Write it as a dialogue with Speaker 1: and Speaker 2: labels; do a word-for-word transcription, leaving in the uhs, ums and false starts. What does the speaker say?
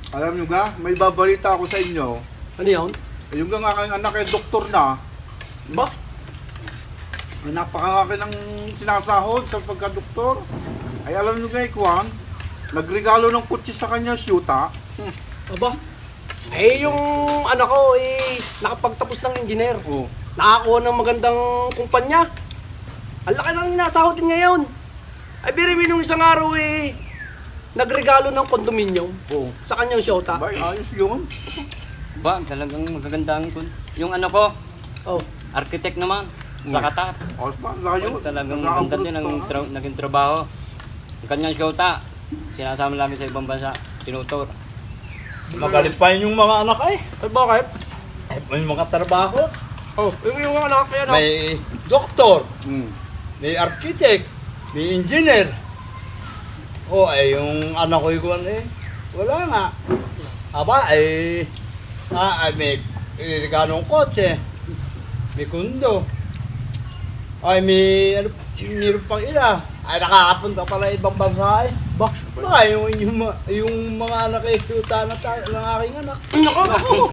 Speaker 1: Alam nyo ga, may babalita ako sa inyo.
Speaker 2: Ano yun?
Speaker 1: Yung nga aking anak ay doktor na.
Speaker 2: Ba?
Speaker 1: Ay napakalaki ng sinasahod sa pagka-doktor. Ay alam nyo ga, Kwan, nagregalo ng kutsi sa kanya, syuta. Hmm.
Speaker 2: Aba? Eh, yung anak ko, eh, nakapagtapos ng engineer.
Speaker 1: Oh.
Speaker 2: Nakakuha ng magandang kumpanya. Ang laki ng inasahod din ngayon. Ay, biribi nung isang araw, eh, nagregalo ng kondominium
Speaker 1: Oh.
Speaker 2: sa kanyang syota.
Speaker 1: Bay, ayos yun.
Speaker 3: Ba, talagang magagandang kun. Yung ano ko,
Speaker 2: Oh.
Speaker 3: architect naman, sa Qatar.
Speaker 1: Ayos ba? Layo.
Speaker 3: Well, talagang maganda din ang tra- naging trabaho. Ang kanyang syota, sinasama lagi sa ibang bansa, tinutor.
Speaker 4: Magaling pa yun yung mga anak eh.
Speaker 2: Ay, bakit?
Speaker 4: Eh, may mga trabaho.
Speaker 2: Oh, yung, yung anak, yan, oh.
Speaker 4: May doktor,
Speaker 1: Hmm.
Speaker 4: may architect, may engineer. O eh, yung anak ko yung eh, wala nga. Aba eh, ah, ay, may eh, ganong kotse, may kundo. Ay, may, ano, mayroon pang ina. Ay, nakakapunta pala ibang bansa eh.
Speaker 2: Ba?
Speaker 4: Baka yung, yung, yung mga anak eh, yung na tayo ng aking anak.
Speaker 2: Nako!